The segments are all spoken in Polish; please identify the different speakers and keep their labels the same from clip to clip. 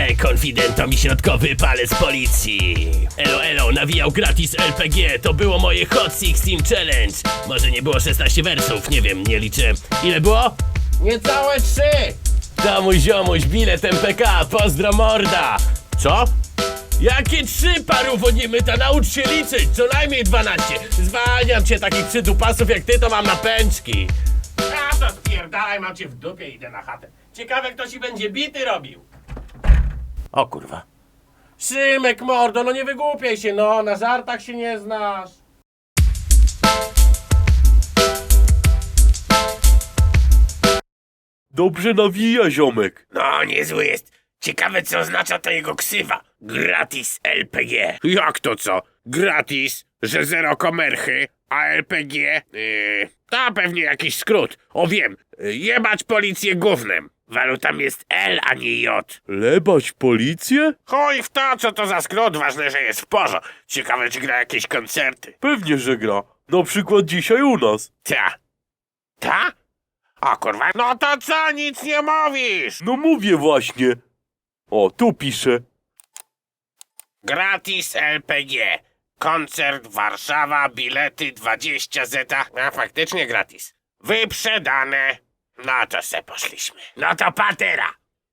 Speaker 1: konfidentom i środkowy palec policji. Elo, nawijał gratis LPG, to było moje Hot 16 Challenge. Może nie było 16 wersów, nie wiem, nie liczę. Ile było? Niecałe 3! Damuś ziomuś, bilet MPK, pozdro morda! Co? Jakie 3, paruwo niemyta, naucz się liczyć, co najmniej 12. Zwalniam cię, takich przydupasów jak ty to mam na pęczki. A to spierdalaj, mam cię w dupie, idę na chatę. Ciekawe, kto ci będzie bity robił. O kurwa. Szymek, mordo, no nie wygłupiaj się, no, na żartach się nie znasz.
Speaker 2: Dobrze nawija, ziomek.
Speaker 1: No, niezły jest. Ciekawe, co oznacza to jego ksywa. Gratis LPG.
Speaker 3: Jak to co? Gratis? Że zero komerchy? A LPG? To pewnie jakiś skrót. O wiem, jebać policję gównem.
Speaker 1: Walutam jest L, a nie J.
Speaker 2: Lebać policję?
Speaker 3: Chuj w to, co to za skrót, ważne, że jest w porze. Ciekawe, czy gra jakieś koncerty.
Speaker 2: Pewnie, że gra. Na przykład dzisiaj u nas.
Speaker 3: Ta? O kurwa, no to co, nic nie mówisz?
Speaker 2: No mówię właśnie. O, tu pisze.
Speaker 3: Gratis LPG. Koncert Warszawa, bilety 20 zeta. A faktycznie gratis. Wyprzedane. No to se poszliśmy.
Speaker 1: No to patera.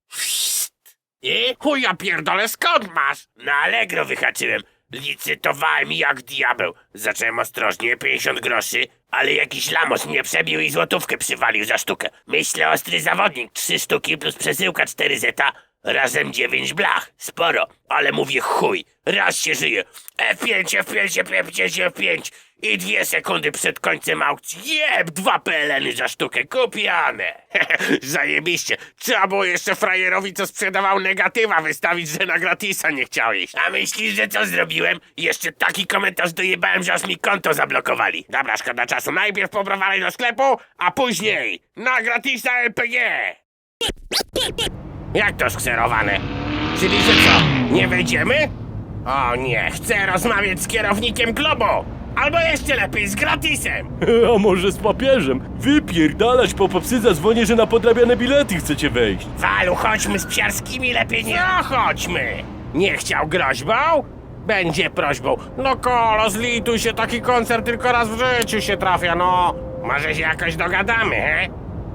Speaker 1: I?
Speaker 3: Chuja pierdolę, skąd masz?
Speaker 1: Na Allegro wyhaczyłem. Licytowałem jak diabeł. Zacząłem ostrożnie, 50 groszy, ale jakiś lamos mnie przebił i złotówkę przywalił za sztukę. Myślę, ostry zawodnik, 3 sztuki plus przesyłka 4 zeta, razem 9 blach. Sporo, ale mówię chuj, raz się żyje. F5, F5, F5, F5 i 2 sekundy przed końcem aukcji. Jeb, 2 PLN-y za sztukę, kupione.
Speaker 3: Zajebiście. Trzeba było jeszcze frajerowi, co sprzedawał negatywa, wystawić, że na gratisa nie chciał iść.
Speaker 1: A myślisz, że co zrobiłem? Jeszcze taki komentarz dojebałem, że aż mi konto zablokowali.
Speaker 3: Dobra, szkoda czasu. Najpierw pobrowali do sklepu, a później na gratisa LPG. Jak to skserowane? Czyli że co, nie wejdziemy? O nie, chcę rozmawiać z kierownikiem klubu. Albo jeszcze lepiej, z gratisem.
Speaker 2: A może z papieżem? Wypierdalać, po popsy zadzwonię, że na podrabiane bilety chcecie wejść.
Speaker 1: Walu, chodźmy z psiarskimi, lepiej nie...
Speaker 3: No chodźmy. Nie chciał groźbą? Będzie prośbą. No kolo, zlituj się, taki koncert tylko raz w życiu się trafia, no. Może się jakoś dogadamy, he?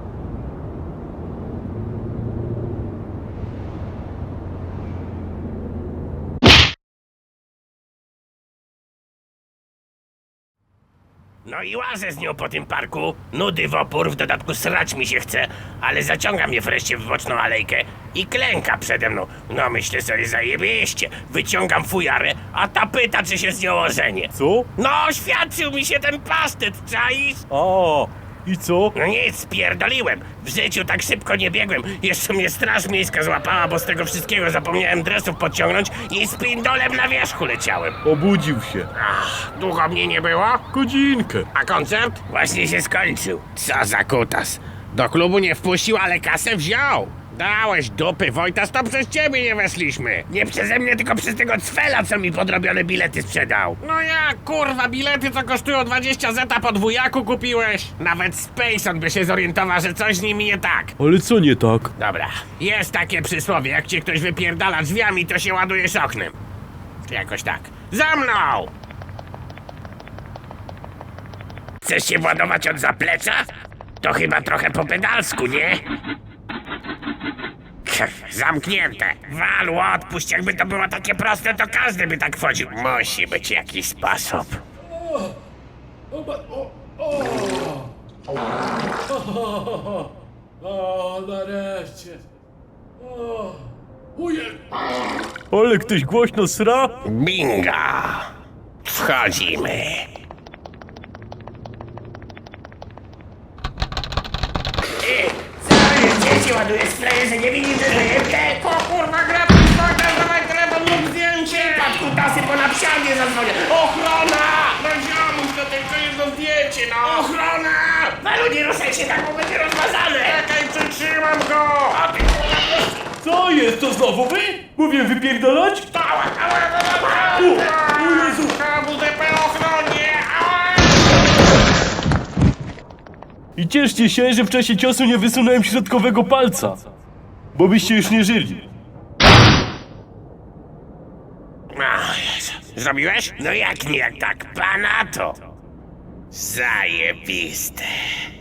Speaker 1: No i łazę z nią po tym parku. Nudy w opór, w dodatku srać mi się chce, ale zaciąga mnie wreszcie w boczną alejkę i klęka przede mną. No myślę sobie, zajebiście. Wyciągam fujarę, a ta pyta, czy się z nią ożenię.
Speaker 2: Co?
Speaker 1: No, oświadczył mi się ten pasztet, czaisz?
Speaker 2: A, i co?
Speaker 1: No nic, spierdoliłem. W życiu tak szybko nie biegłem. Jeszcze mnie straż miejska złapała, bo z tego wszystkiego zapomniałem dresów podciągnąć i z pindolem na wierzchu leciałem.
Speaker 2: Obudził się.
Speaker 3: Ach, długo mnie nie było?
Speaker 2: Godzinkę.
Speaker 3: A koncert?
Speaker 1: Właśnie się skończył.
Speaker 3: Co za kutas. Do klubu nie wpuścił, ale kasę wziął. Dałeś dupy, Wojtas, to przez ciebie nie weszliśmy.
Speaker 1: Nie przeze mnie, tylko przez tego cwela, co mi podrobione bilety sprzedał.
Speaker 3: No jak, kurwa, bilety co kosztują 20 zeta po dwójaku kupiłeś? Nawet Spacon by się zorientował, że coś z nimi nie tak.
Speaker 2: Ale co nie tak?
Speaker 1: Dobra,
Speaker 3: Jest takie przysłowie, jak cię ktoś wypierdala drzwiami, to się ładujesz oknem. Czy jakoś tak. Za mną!
Speaker 1: chcesz się władować od zaplecza? To chyba trochę po pedalsku, nie?
Speaker 3: Zamknięte.
Speaker 1: Walu, odpuść, jakby to było takie proste, to każdy by tak wchodził. Musi być jakiś sposób.
Speaker 4: O, nareszcie. O, ujej.
Speaker 2: Ale ktoś głośno sra?
Speaker 1: Binga! Wchodzimy. Co jest, dzieci ładuje spleje, że nie widzi, że żyjecie?
Speaker 3: O kurwa, gratis, Wojtas, dawaj telefon lub zdjęcie!
Speaker 1: Patrz, kutasy, bo na psiarnię zadzwonię. Ochrona!
Speaker 3: No ziomuś, to tylko jedno zdjęcie, no!
Speaker 1: Ochrona! Walu, nie ruszaj się tak, bo będzie rozmazane.
Speaker 3: Czekaj, przytrzymam go!
Speaker 1: A ty kurwa,
Speaker 2: Co jest, to znowu wy? Mówię wypierdalać? O Jezu!
Speaker 3: WDP ochronie! Ała!
Speaker 2: I cieszcie się, że w czasie ciosu nie wysunąłem środkowego palca. Bo byście już nie żyli.
Speaker 3: O Jezu. Zrobiłeś? No jak nie, jak tak pana to. Zajebiste.